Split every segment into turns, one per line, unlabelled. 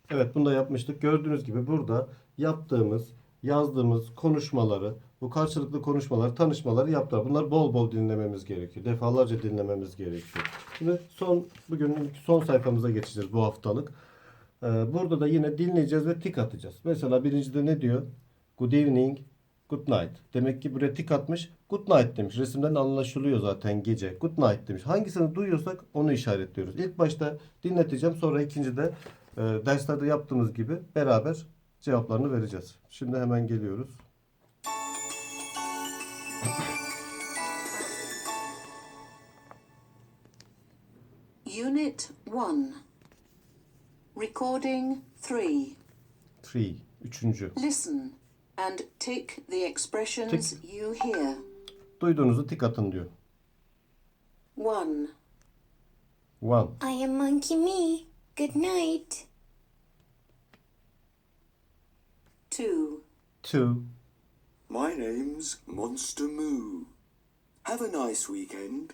Evet, bunu da yapmıştık. Gördüğünüz gibi burada yaptığımız, yazdığımız konuşmaları, bu karşılıklı konuşmaları, tanışmaları yaptılar. Bunlar bol bol dinlememiz gerekiyor. Defalarca dinlememiz gerekiyor. Şimdi bugün son sayfamıza geçeceğiz bu haftalık. Burada da yine dinleyeceğiz ve tik atacağız. Mesela birincide ne diyor? Good evening, good night. Demek ki buraya tik atmış. Good night demiş. Resimden anlaşılıyor zaten gece. Good night demiş. Hangisini duyuyorsak onu işaretliyoruz. İlk başta dinleteceğim. Sonra ikincide derslerde yaptığımız gibi beraber cevaplarını vereceğiz. Şimdi hemen geliyoruz.
Unit 1. Recording 3.
Three. Üçüncü.
Listen and tick the expressions you hear.
Duyduğunuzu tik atın diyor.
1.
One.
I am Monkey Me. Good night.
2.
Two.
My name's Monster Moo. Have a nice weekend.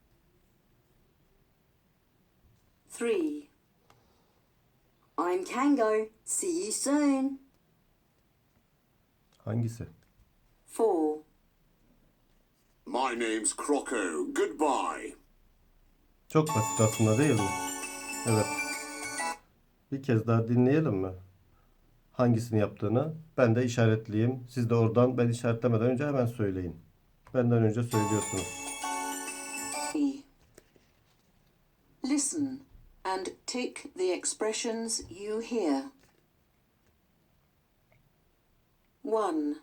3. I'm Kango. See you soon.
Hangisi?
4.
My name's Croco. Goodbye.
Çok basit aslında, değil mi? Evet. Bir kez daha dinleyelim mi? Hangisini yaptığını. Ben de işaretleyeyim. Siz de oradan ben işaretlemeden önce hemen söyleyin. Benden önce söylüyorsunuz.
3. Listen and tick the expressions you hear. 1.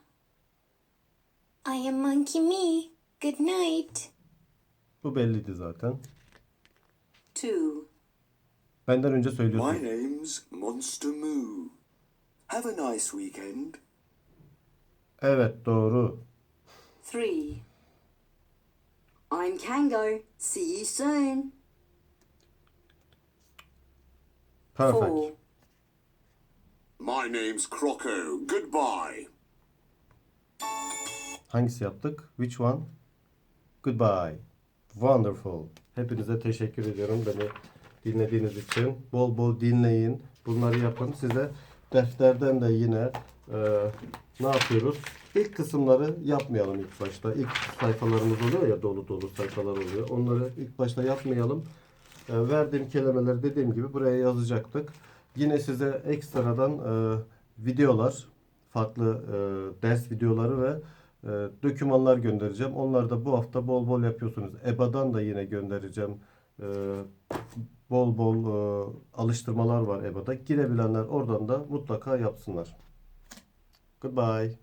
I am Monkey Me. Good night.
Bu belliydi zaten.
2.
Benden önce
My
söylüyorsunuz.
name's Monster Moo. Have a nice weekend.
Evet, doğru.
3. I'm Kango. See you soon.
Perfect.
4.
My name's Croco. Goodbye.
Hangisi yaptık? Which one? Goodbye. Wonderful. Hepinize teşekkür ediyorum beni dinlediğiniz için. Bol bol dinleyin. Bunları yapın. Size defterden de yine ne yapıyoruz? İlk kısımları yapmayalım ilk başta. İlk sayfalarımız oluyor ya, dolu dolu sayfalar oluyor. Onları ilk başta yapmayalım. Verdiğim kelimeleri dediğim gibi buraya yazacaktık. Yine size ekstradan videolar, farklı ders videoları ve dokümanlar göndereceğim. Onları da bu hafta bol bol yapıyorsunuz. EBA'dan da yine göndereceğim. Bol bol alıştırmalar var EBA'da. Girebilenler oradan da mutlaka yapsınlar. Goodbye.